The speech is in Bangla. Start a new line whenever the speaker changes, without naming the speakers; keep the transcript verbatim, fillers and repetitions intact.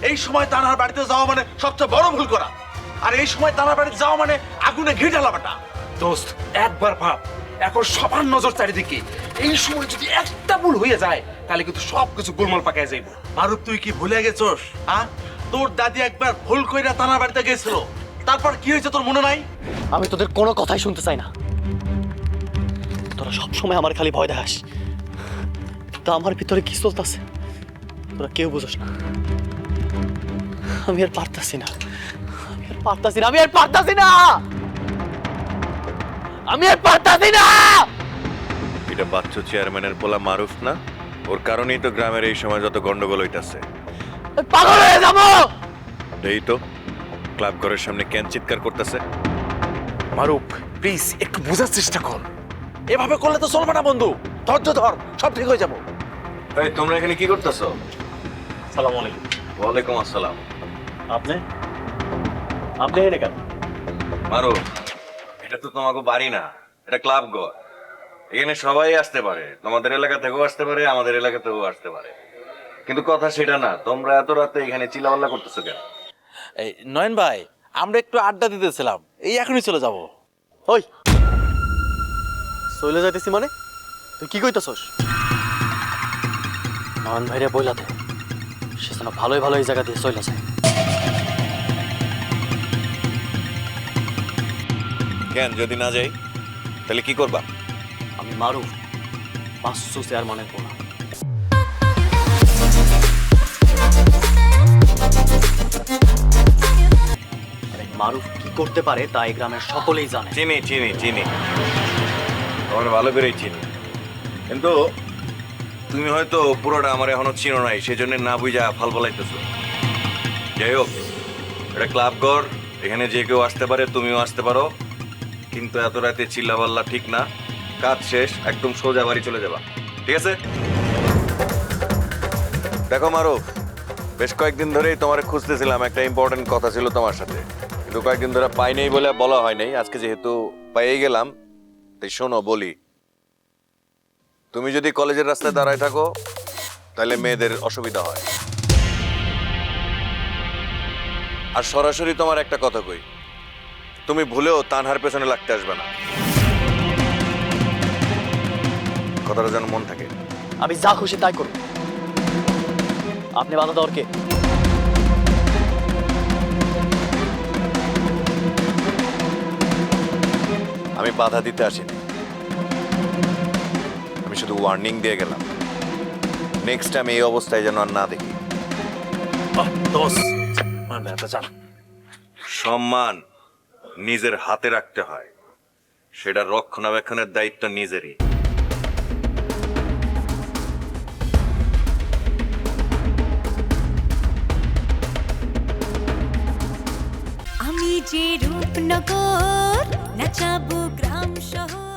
এই সময় তানার বাড়িতে যাওয়া মানে সবচেয়ে বড় ভুল করা। আর এই সময় তানার বাড়িতে যাওয়া মানে আগুনে ঘি ঢালাবাটা।
দোস্ত একবার ভাব, এখন সবার নজর চারিদিকে। এই সময় যদি একটা ভুল হয়ে যায় তাহলে কিন্তু সবকিছু গোলমাল পাকায় যাইব।
মারুফ, তুই কি ভুলে গেছস? হ্যাঁ, তোর দাদি একবার ভুল কইরা তানার বাড়িতে গেছিল, তারপর কি হয়েছে তোর মনে নাই?
আমি তোদের কোনো কথাই শুনতে চাই না। তোরা সব সময় আমার খালি ভয় দেখাস, তা আমার ভিতরে কি চলতেছে তোরা কেউ বুঝোস না। আমি আর পারতাছি না, আমি আর পারতাছি না, আমি আর পারতাছি না, আমি আর পারতাছি না।
এটা বাচ্চু চেয়ারম্যানের পোলা মারুফ না? ওর কারণেই তো গ্রামের এই সময় যত গন্ডগোল হইতাছে।
আমি পাগল হয়ে যাবো।
এই তো ক্লাব ঘরের সামনে কেন চিৎকার করতেছে।
মারুফ প্লিজ একটু বোঝার চেষ্টা কর।
এভাবে করলে তো চলবে না বন্ধু, ধৈর্য ধর, সব ঠিক হয়ে যাবো।
এই তোমরা এখানে কি করতেছো?
সালাম আলাইকুম।
ওয়ালাইকুম আসসালাম।
আপনি আপনি এনে কেন?
মারুফ, এটা তো তোমাকে বাড়ি না, এটা ক্লাব ঘর। এখানে সবাই আসতে পারে, তোমাদের এলাকা থেকেও আসতে পারে, আমাদের এলাকা থেকেও আসতে পারে, কিন্তু কথা সেটা না। তোমরা এত রাতে এখানে চিল্লাপাল্লা করতেছো কেন?
এই নয়ন ভাই, আমরা একটু আড্ডা দিতেছিলাম, এই এখনই চলে যাব।
ওই চলে যাইতেছি মানে? তুই কি কইতাছস? নয়ন ভাইরে বইলা দে, সে যেন ভালোই ভালো এই জায়গা দিয়ে চলে যায়।
কেন, যদি না যাই তাহলে কি করবা?
আমি মারুফ, বাচ্চু চেয়ারম্যানের পোলা। আরে মারুফ কি করতে পারে তা এই গ্রামের সকলেই জানে।
চিনি চিনি চিনি, তোমার ভালো করেই চিনি, কিন্তু তুমি হয়তো পুরোটা আমার এখনো চিনো নাই, সেজন্য না বুঝা ফাল ফলাইতেছো। যাই হোক, এটা ক্লাব ঘর, এখানে যে কেউ আসতে পারে, তুমিও আসতে পারো, কিন্তু এত রাতে চিল্লাপাল্লা ঠিক না। কাজ শেষ, একদম সোজা বাড়ি চলে যাবা, ঠিক আছে? দেখো মারুফ, বেশ কয়েকদিন ধরেই তোমার খুঁজতেছিলাম, একটা ইম্পর্টেন্ট কথা ছিল তোমার সাথে, কিন্তু কয়েকদিন ধরে পাই নাই বলে বলা হয় নাই। আজকে যেহেতু পেয়ে গেলাম তাই শোনো বলি। তুমি যদি কলেজের রাস্তায় দাঁড়ায় থাকো তাহলে মেয়েদের অসুবিধা হয়। আর সরাসরি তোমার একটা কথা কই, তুমি ভুলেও তানহার পেছনে লাগতে আসবে না, কথাটা যেন মন থাকে।
আমি যা খুশি তাই করব, আপনি বাধা দেওয়ার কে?
আমি বাধা দিতে আসিনি, আমি শুধু ওয়ার্নিং দিয়ে গেলাম, নেক্সট টাইম এই অবস্থায় যেন আর না দেখি। সম্মান নিজের হাতে রাখতে হয়, সেটা রক্ষণাবেক্ষণের দায়িত্ব নিজেরই।
আমি যে রূপনগর নাচাবো গ্রাম শহর।